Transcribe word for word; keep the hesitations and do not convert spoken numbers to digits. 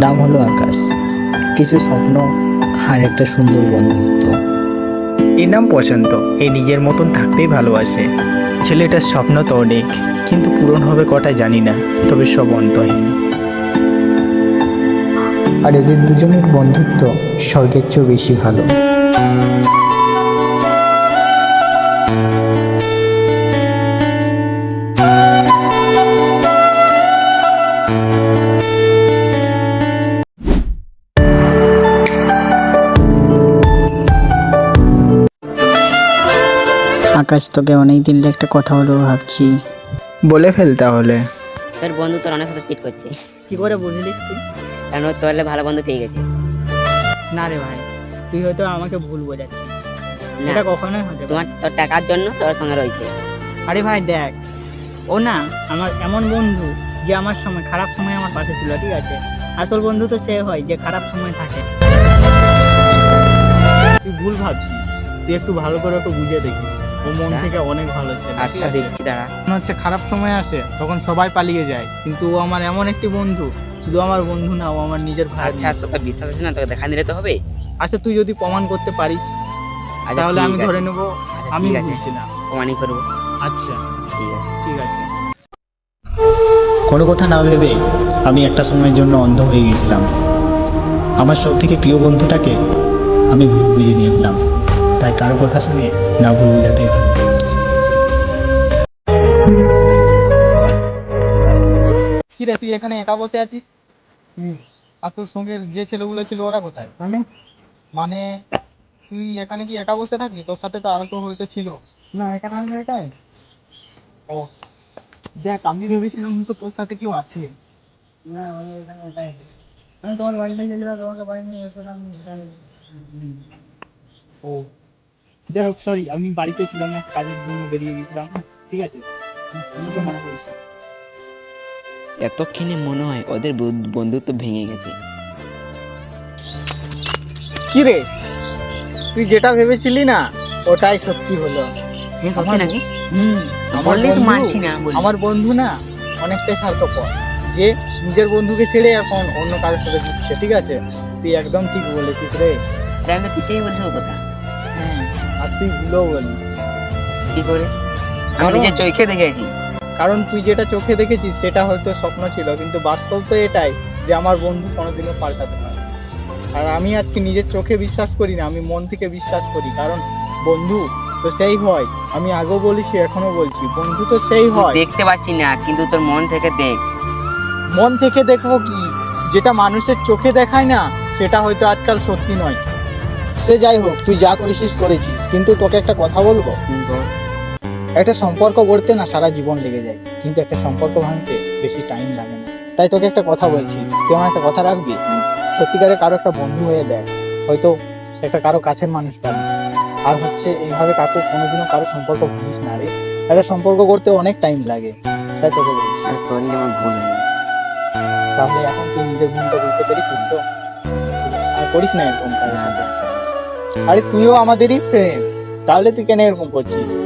নাম হলো আকাশ। কিছু স্বপ্ন আর একটা সুন্দর বন্ধুত্ব। এর নাম পছন্দ। এ নিজের মতন থাকতেই ভালোবাসে। ছেলেটার স্বপ্ন তো অনেক, কিন্তু পূরণ হবে কটা জানি না, তবে সব অন্তহীন। আর এদের দুজনের বন্ধুত্ব স্বর্গের চেয়েও বেশি ভালো। আকাশ, তবে অনেকদিন একটা কথা হলো ভাবছি। বলে ফেল তাহলে। তোর বন্ধু তোর অনেক সাথে চিট করছে। কি করে বুঝলিস তুই? কারণ ও তোর ভালো বন্ধু পেয়ে গেছে। না রে ভাই, তুই হয়তো আমাকে ভুল বোঝাচ্ছিস। না, এটা কখনোই হতে তোমার পারে না। তোর টাকার জন্য তোর সঙ্গে রয়েছে। আরে ভাই দেখ, ও না আমার এমন বন্ধু যে আমার সময় খারাপ সময় আমার পাশে ছিল, ঠিক আছে? আসল বন্ধু তো সে হয় যে খারাপ সময় থাকে। তুই ভুল ভাবছিস, তুই একটু ভালো করে ওকে বুঝে দেখিস। ও মন আচ্ছা। থেকে অনেক ভালো ছেলে। ঠিক আচ্ছা আছে? দেখছি, দাঁড়া। মনে হচ্ছে খারাপ সময় আসে তখন সবাই পালিয়ে যায়, কিন্তু ও আমার এমন একটি বন্ধু, শুধু আমার বন্ধু না, ও আমার নিজের ভাই। আচ্ছা, তোকে বিশ্বাস আছে না? তোকে দেখা নিতে তো হবে। আচ্ছা, তুই যদি প্রমাণ করতে পারিস আচ্ছা, তাহলে ঠিক আমি আছে। ধরে নেব আচ্ছা, আমি ঠিক আছে, বলছিলাম। প্রমাণই করবো। আচ্ছা ঠিক আছে। ঠিক আছে। কোনো কথা না ভেবে আমি একটা সময়ের জন্য অন্ধ হয়ে গেছিলাম। আমার সব থেকে প্রিয় বন্ধুটাকে আমি ভুল বুঝে নিয়েছিলাম। তাই কারো কথা শুনে না ভুল বোঝাটাই ভালো। কি রে, তুই এখানে একা বসে আছিস? আর তোর সঙ্গে যে ছেলেগুলো ছিল ওরা কোথায়? মানে মানে তুই এখানে কি একা বসে থাকবি? তোর সাথে তো আরো তো হয়তো ছিল। না, এখানে আমি একাই। ও দেখ, আমি ভেবেছিলাম তো তোর সাথে কেউ আছে। না, আমি এখানে একাই। আমি তোমার বাড়িতে গেছিলাম, তোমাকে বাড়ি নিয়ে এসেছিলাম এখানে। ও যাই হোক, সরি, আমি বাড়িতে ছিলাম না, কাজের জন্য বেরিয়ে গেছিলাম। ঠিক আছে, তুমি তো মানা করিস না। এতক্ষণে মনে হয় ওদের বন্ধুত্ব ভেঙে গেছে। কি রে, তুই যেটা ভেবেছিলি না ওটাই সত্যি হলো। সত্যি নাকি? হুম, আমার বললেই তো বন্ধু- মানছি না, বলি। আমার বন্ধু না অনেকটাই স্বার্থপর, যে নিজের বন্ধুকে ছেড়ে এখন অন্য কারোর সাথে ঘুরছে। ঠিক আছে, তুই একদম ঠিক বলেছিস রে। আরে আমি তো ঠিকই বলছি ও কথা। হ্যাঁ, আর তুই ভুলেও বলিস। কি করে? আমি কারণ- নিজের চোখে দেখেছি। কারণ তুই যেটা চোখে দেখেছিস সেটা হয়তো স্বপ্ন ছিল, কিন্তু বাস্তব তো এটাই যে আমার বন্ধু কোনোদিনও পাল্টাতে পারে না। আর আমি আজকে নিজের চোখে বিশ্বাস করি না, আমি মন থেকে বিশ্বাস করি। কারণ বন্ধু তো সেই হয়, আমি আগেও বলেছি এখনো বলছি, বন্ধু তো সেই তুই হয়। দেখতে পাচ্ছি না, কিন্তু তোর মন থেকে দেখ। মন থেকে দেখবো কি? যেটা মানুষের চোখে দেখায় না সেটা হয়তো আজকাল সত্যি নয়। সে যাই হোক, তুই যা করেছিস করেছিস, কিন্তু তোকে একটা কথা বলবো। একটা সম্পর্ক গড়তে না সারা জীবন লেগে যায়, কিন্তু একটা সম্পর্ক ভাঙতে বেশি টাইম লাগে না। তাই তোকে একটা কথা বলছি, তুই আমার একটা কথা রাখবি? সত্যিকারে কারো একটা বন্ধু হয়ে দেখ, হয়তো একটা কারো কাছের মানুষ পাবি। আর হচ্ছে এইভাবে কাকু কোনোদিনও কারো সম্পর্ক ভাঙিস না রে। একটা সম্পর্ক করতে অনেক টাইম লাগে, তাই তোকে বলছি। আর সরি, আমার ভুল হয়ে গেছে। তাহলে এখন তুই নিজের ভুলটা বুঝতে পেরেছিস তো? ঠিক আছে, আর করিস না এরকম কারোর সাথে। আরে তুইও আমাদেরই ফ্রেন্ড, তাহলে তুই কেন এরকম করছিস?